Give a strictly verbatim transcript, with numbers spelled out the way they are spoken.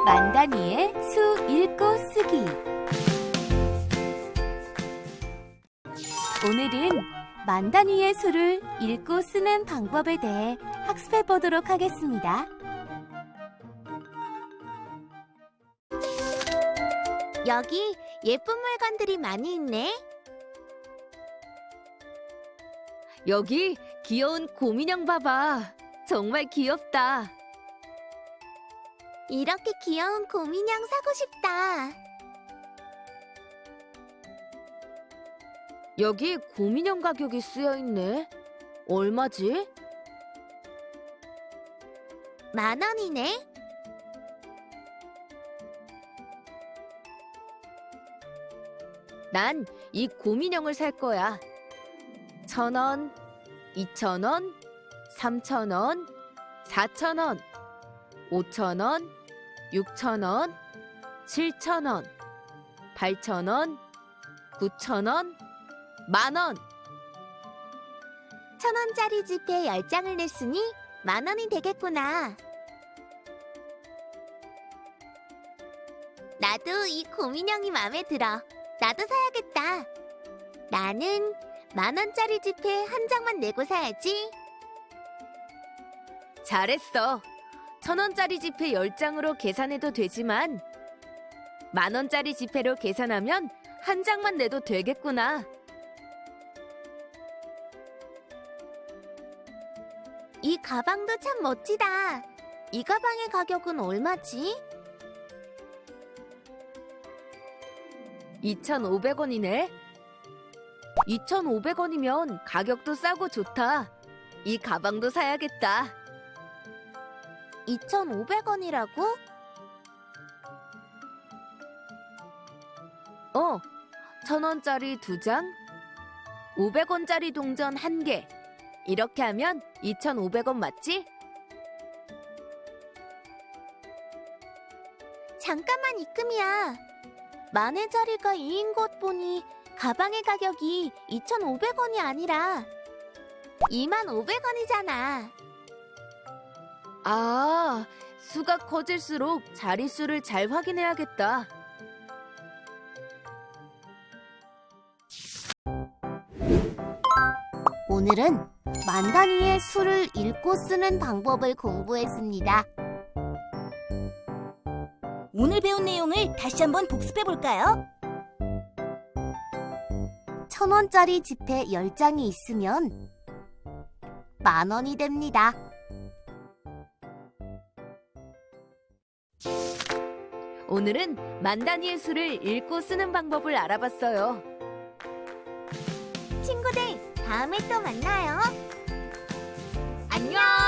만다니의 수 읽고 쓰기. 오늘은 만다니의 수를 읽고 쓰는 방법에 대해 학습해 보도록 하겠습니다. 여기 예쁜 물건들이 많이 있네. 여기 귀여운 곰인형 봐봐. 정말 귀엽다. 이렇게 귀여운 곰인형 사고 싶다. 여기 곰인형 가격이 쓰여 있네. 얼마지? 만 원이네. 난 이 곰인형을 살 거야. 천 원, 이천 원, 삼천 원, 사천 원, 오천 원, 육천 원, 칠천 원, 팔천 원, 구천 원, 만 원. 천 원짜리 지폐 열 장을 냈으니 만 원이 되겠구나. 나도 이 곰인형이 마음에 들어. 나도 사야겠다. 나는 만 원짜리 지폐 한 장만 내고 사야지. 잘했어. 천 원짜리 지폐 열 장으로 계산해도 되지만 만 원짜리 지폐로 계산하면 한 장만 내도 되겠구나. 이 가방도 참 멋지다. 이 가방의 가격은 얼마지? 이천오백 원이네. 이천오백 원이면 가격도 싸고 좋다. 이 가방도 사야겠다. 이천오백 원이라고? 어, 천 원짜리 두 장, 오백 원짜리 동전 한 개. 이렇게 하면 이천오백 원 맞지? 잠깐만 입금이야. 만의 자리가 이인 것 보니 가방의 가격이 이천오백 원이 아니라 이만 오백 원이잖아. 아, 수가 커질수록 자릿수를 잘 확인해야겠다. 오늘은 만다니의 수를 읽고 쓰는 방법을 공부했습니다. 오늘 배운 내용을 다시 한번 복습해 볼까요? 천 원짜리 지폐 열 장이 있으면 만 원이 됩니다. 오늘은 만다니의 수를 읽고 쓰는 방법을 알아봤어요. 친구들, 다음에 또 만나요. 안녕!